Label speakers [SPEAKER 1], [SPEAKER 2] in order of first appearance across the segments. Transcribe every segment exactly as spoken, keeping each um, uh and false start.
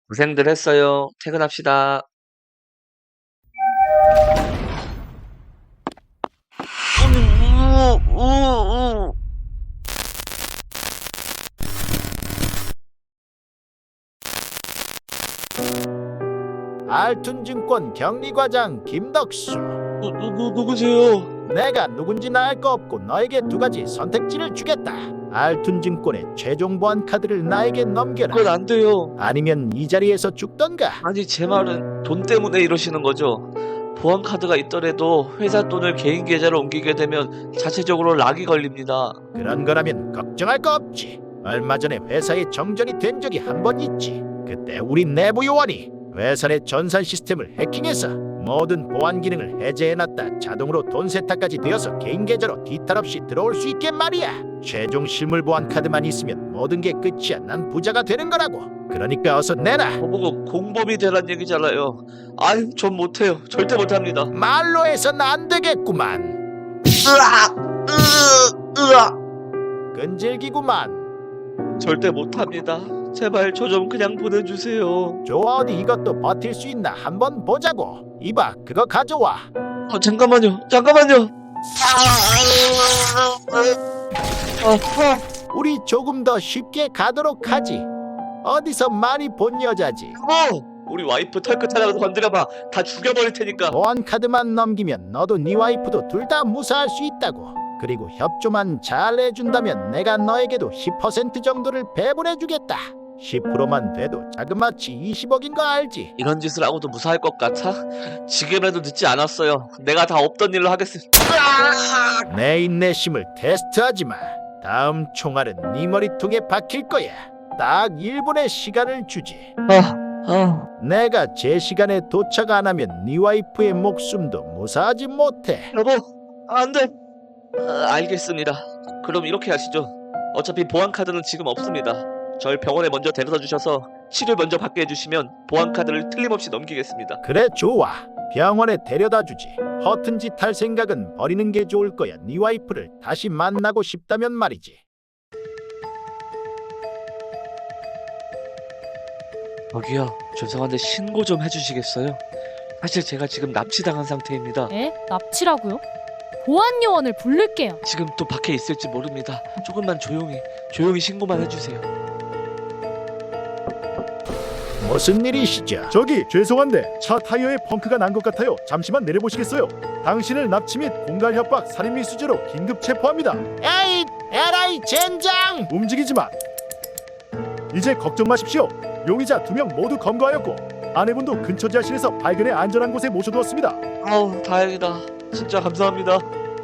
[SPEAKER 1] 고생들 했어요. 퇴근합시다. 우, 우, 우.
[SPEAKER 2] 알툰증권 경리과장 김덕수.
[SPEAKER 1] 누, 누, 누, 누구세요?
[SPEAKER 2] 내가 누군지는 알 거 없고 너에게 두 가지 선택지를 주겠다. 알툰증권의 최종 보안 카드를 나에게 넘겨라.
[SPEAKER 1] 그건 안 돼요.
[SPEAKER 2] 아니면 이 자리에서 죽던가.
[SPEAKER 1] 아니, 제 말은 돈 때문에 이러시는 거죠. 보안 카드가 있더라도 회사 돈을 개인 계좌로 옮기게 되면 자체적으로 락이 걸립니다.
[SPEAKER 2] 그런 거라면 걱정할 거 없지. 얼마 전에 회사에 정전이 된 적이 한 번 있지. 그때 우리 내부 요원이 회사 내 전산 시스템을 해킹해서 모든 보안 기능을 해제해놨다. 자동으로 돈 세탁까지 되어서 개인 계좌로 뒤탈 없이 들어올 수 있게 말이야. 최종 실물 보안 카드만 있으면 모든 게 끝이야. 난 부자가 되는 거라고. 그러니까 어서 내놔.
[SPEAKER 1] 저보고 공범이 되란 얘기잖아요. 아유, 전 못해요. 절대 못합니다.
[SPEAKER 2] 말로 해선 안 되겠구만.
[SPEAKER 1] 으악! 으, 으악!
[SPEAKER 2] 끈질기구만.
[SPEAKER 1] 절대 못합니다. 제발 저 좀 그냥 보내주세요.
[SPEAKER 2] 좋아, 어디 이것도 버틸 수 있나 한번 보자고. 이봐, 그거 가져와.
[SPEAKER 1] 어, 잠깐만요. 잠깐만요. 아, 아,
[SPEAKER 2] 우리 조금 더 쉽게 가도록 하지. 어디서 많이 본 여자지.
[SPEAKER 1] 여보! 우리 와이프 털끝 하나 건드려봐. 다 죽여버릴 테니까.
[SPEAKER 2] 보안 카드만 넘기면 너도 네 와이프도 둘 다 무사할 수 있다고. 그리고 협조만 잘 해준다면 내가 너에게도 십 퍼센트 정도를 배분해주겠다. 십 퍼센트만 돼도 자그마치 이십억인 거 알지?
[SPEAKER 1] 이런 짓을 하고도 무사할 것 같아? 지금이라도 늦지 않았어요. 내가 다 없던 일로 하겠습니다.
[SPEAKER 2] 내 인내심을 테스트하지 마. 다음 총알은 네 머리통에 박힐 거야. 딱 일 분의 시간을 주지.
[SPEAKER 1] 아, 아.
[SPEAKER 2] 내가 제 시간에 도착 안 하면 네 와이프의 목숨도 무사하지 못해.
[SPEAKER 1] 여보, 안 돼. 아, 알겠습니다. 그럼 이렇게 하시죠. 어차피 보안 카드는 지금 없습니다. 절 병원에 먼저 데려다 주셔서 치료 먼저 받게 해주시면 보안 카드를 틀림없이 넘기겠습니다.
[SPEAKER 2] 그래, 좋아. 병원에 데려다 주지. 허튼 짓 할 생각은 버리는 게 좋을 거야. 네 와이프를 다시 만나고 싶다면 말이지.
[SPEAKER 1] 저기요, 죄송한데 신고 좀 해주시겠어요? 사실 제가 지금 납치당한 상태입니다.
[SPEAKER 3] 에? 납치라고요? 보안 요원을 부를게요.
[SPEAKER 1] 지금 또 밖에 있을지 모릅니다. 조금만 조용히, 조용히 신고만 해주세요.
[SPEAKER 2] 무슨 일이시죠?
[SPEAKER 4] 저기 죄송한데 차 타이어에 펑크가 난 것 같아요. 잠시만 내려보시겠어요? 당신을 납치 및 공갈 협박 살인 미수죄로 긴급 체포합니다.
[SPEAKER 2] 에이, 에라이 젠장!
[SPEAKER 4] 움직이지 마. 이제 걱정 마십시오. 용의자 두 명 모두 검거하였고 아내분도 근처 지하실에서 발견해 안전한 곳에 모셔두었습니다.
[SPEAKER 1] 아우, 다행이다. 진짜 감사합니다.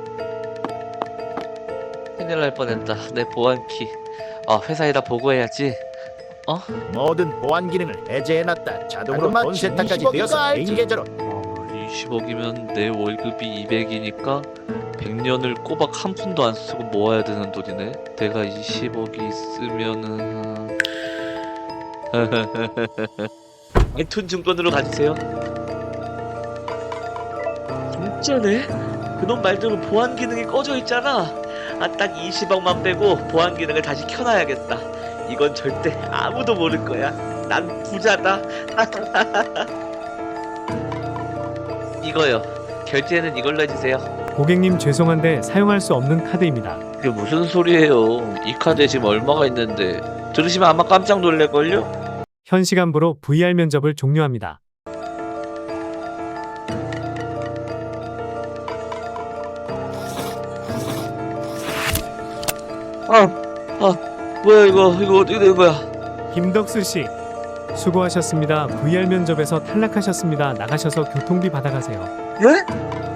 [SPEAKER 1] 큰일 날 뻔했다. 내 보안키. 아, 회사에다 보고해야지. 어?
[SPEAKER 2] 모든 보안 기능을 해제해놨다. 자동으로 돈 세탁까지 되어서 개인 계좌로.
[SPEAKER 1] 어, 이십억이면 내 월급이 이백이니까 백 년을 꼬박 한 푼도 안 쓰고 모아야 되는 돈이네. 내가 이십억이 있으면은 알툰 증권으로 가주세요. 진짜네? 그놈 말대로 보안 기능이 꺼져 있잖아. 아, 딱 이십억만 빼고 보안 기능을 다시 켜놔야겠다. 이건 절대 아무도 모를 거야. 난 부자다. 이거요. 결제는 이걸로 해주세요.
[SPEAKER 5] 고객님 죄송한데 사용할 수 없는 카드입니다.
[SPEAKER 1] 그게 무슨 소리예요? 이 카드에 지금 얼마가 있는데. 들으시면 아마 깜짝 놀랄걸요?
[SPEAKER 5] 현 시간부로 브이알 면접을 종료합니다.
[SPEAKER 1] 아, 아, 뭐야 이거? 이거 어떻게 된 거야?
[SPEAKER 5] 김덕수 씨, 수고하셨습니다. 브이알 면접에서 탈락하셨습니다. 나가셔서 교통비 받아가세요.
[SPEAKER 1] 예?